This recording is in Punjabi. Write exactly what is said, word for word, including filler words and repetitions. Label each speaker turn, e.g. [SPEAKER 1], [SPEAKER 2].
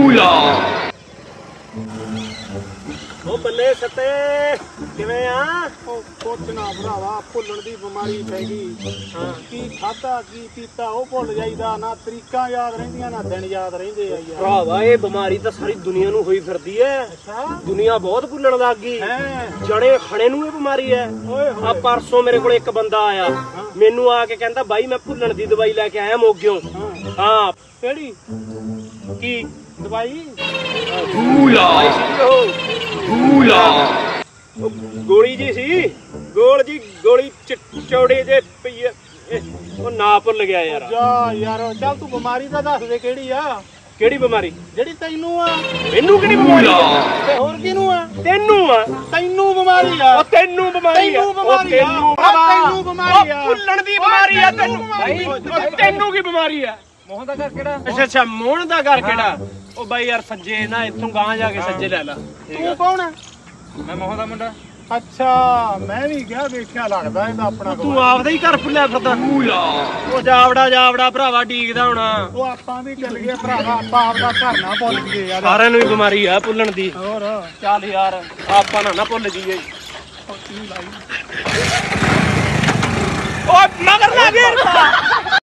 [SPEAKER 1] ਉਹ ਬੱਲੇ ਸੱਤੇ ਕਿਵੇਂ ਆ?
[SPEAKER 2] ਉਹ ਕੁਛ ਨਾ ਭਰਾਵਾ, ਭੁੱਲਣ ਦੀ ਬਿਮਾਰੀ ਪੈ ਗਈ।
[SPEAKER 1] ਹਾਂ
[SPEAKER 2] ਕੀ ਖਾਧਾ ਕੀ ਪੀਤਾ ਉਹ ਭੁੱਲ ਜਾਈਦਾ, ਨਾ ਤਰੀਕਾਂ ਯਾਦ ਰਹਿੰਦੀਆਂ ਨਾ ਦਿਨ ਯਾਦ ਰਹਿੰਦੇ ਆ ਯਾਰ।
[SPEAKER 1] ਭਰਾਵਾ ਇਹ ਬਿਮਾਰੀ ਤਾਂ ਸਾਰੀ ਦੁਨੀਆ ਨੂੰ ਹੋਈ ਫਿਰਦੀ ਐ।
[SPEAKER 2] ਅੱਛਾ
[SPEAKER 1] ਦੁਨੀਆ ਬਹੁਤ ਭੁੱਲਣ ਲੱਗ ਗਈ।
[SPEAKER 2] ਹੈ
[SPEAKER 1] ਜਣੇ ਖਣੇ ਨੂੰ ਇਹ ਬਿਮਾਰੀ ਐ।
[SPEAKER 2] ਓਏ
[SPEAKER 1] ਆ
[SPEAKER 2] ਹੋਏ।
[SPEAKER 1] ਪਰਸੋਂ ਮੇਰੇ ਕੋਲ ਇੱਕ ਬੰਦਾ ਆਇਆ, ਮੈਨੂੰ ਆ ਕੇ ਕਹਿੰਦਾ ਬਾਈ ਮੈਂ ਭੁੱਲਣ ਦੀ ਦਵਾਈ ਲੈ ਕੇ ਆਇਆ ਮੋਗਿਓ।
[SPEAKER 2] ਹਾਂ
[SPEAKER 1] ਹਾਂ
[SPEAKER 2] ਕਿਹੜੀ
[SPEAKER 1] ਕੀ
[SPEAKER 2] ਦਵਾਈ?
[SPEAKER 1] ਦਵਾਈ ਸੀ ਉਹ ਉਹ ਗੋਲੀ ਜੀ ਸੀ, ਗੋਲ ਜੀ ਗੋਲੀ ਚ- ਚੌੜੇ ਜੇ ਪਈ ਐ। ਇਹ- ਉਹ ਨਾ ਭੁੱਲ ਗਿਆ ਯਾਰ।
[SPEAKER 2] ਜਾ ਯਾਰ ਚੱਲ ਤੂੰ ਬਿਮਾਰੀ ਤਾਂ ਦੱਸ ਦੇ ਕਿਹੜੀ ਆ,
[SPEAKER 1] ਕਿਹੜੀ ਬਿਮਾਰੀ?
[SPEAKER 2] ਜਿਹੜੀ ਤੈਨੂੰ ਆ
[SPEAKER 1] ਮੈਨੂੰ ਕਿਹੜੀ ਬਿਮਾਰੀ ਆ?
[SPEAKER 2] ਤੇ ਹੋਰ ਕਿਹਨੂੰ ਆ?
[SPEAKER 1] ਤੈਨੂੰ ਆ।
[SPEAKER 2] ਤੈਨੂੰ ਬਿਮਾਰੀ ਆ।
[SPEAKER 1] ਉਹ ਤੈਨੂੰ ਬਿਮਾਰੀ ਆ।
[SPEAKER 2] ਤੈਨੂੰ ਬਿਮਾਰੀ ਆ।
[SPEAKER 1] ਤੈਨੂੰ
[SPEAKER 2] ਤੈਨੂੰ ਬਿਮਾਰੀ ਆ।
[SPEAKER 1] ਉਹ ਭੁੱਲਣ ਦੀ ਬਿਮਾਰੀ ਆ ਤੈਨੂੰ।
[SPEAKER 2] ਬਾਈ,
[SPEAKER 1] ਉਹ ਤੈਨੂੰ ਕੀ ਬਿਮਾਰੀ ਆ?
[SPEAKER 2] ਮੋਹਨ ਦਾ ਘਰ ਕਿਹੜਾ?
[SPEAKER 1] ਅੱਛਾ ਅੱਛਾ ਮੋਹਨ ਦਾ ਘਰ ਕਿਹੜਾ? ਉਹ ਬਾਈ ਯਾਰ ਸੱਜੇ ਨਾ ਇੱਥੋਂ ਗਾਂ ਜਾ ਕੇ ਸੱਜੇ ਲੈ ਲਾ।
[SPEAKER 2] ਤੂੰ ਕੌਣ ਆ?
[SPEAKER 1] ਮੈਂ ਮੋਹਨ ਦਾ ਮੁੰਡਾ।
[SPEAKER 2] ਅੱਛਾ ਮੈਂ ਵੀ ਗਿਆ ਵੇਖਿਆ, ਲੱਗਦਾ ਇਹਦਾ ਆਪਣਾ
[SPEAKER 1] ਤੂੰ ਆਪਦਾ ਹੀ ਘਰ ਭੁੱਲਿਆ ਫਿਰਦਾ। ਉਹ ਜਾਵੜਾ ਜਾਵੜਾ ਭਰਾਵਾ ਡੀਕਦਾ ਹੋਣਾ।
[SPEAKER 2] ਉਹ ਆਪਾਂ ਵੀ ਚੱਲ ਗਏ ਭਰਾਵਾ, ਆਪਾਂ ਆਪਦਾ ਘਰ ਨਾ ਭੁੱਲ ਗਏ ਯਾਰ।
[SPEAKER 1] ਸਾਰਿਆਂ ਨੂੰ ਹੀ ਬਿਮਾਰੀ ਆ ਭੁੱਲਣ ਦੀ।
[SPEAKER 2] ਹੋਰ
[SPEAKER 1] ਚੱਲ ਯਾਰ ਆਪਾਂ ਨਾ ਨਾ ਭੁੱਲ ਜਾਈਏ। ਓਏ ਮਗਰ ਨਾ ਗੇਰ ਪਾ।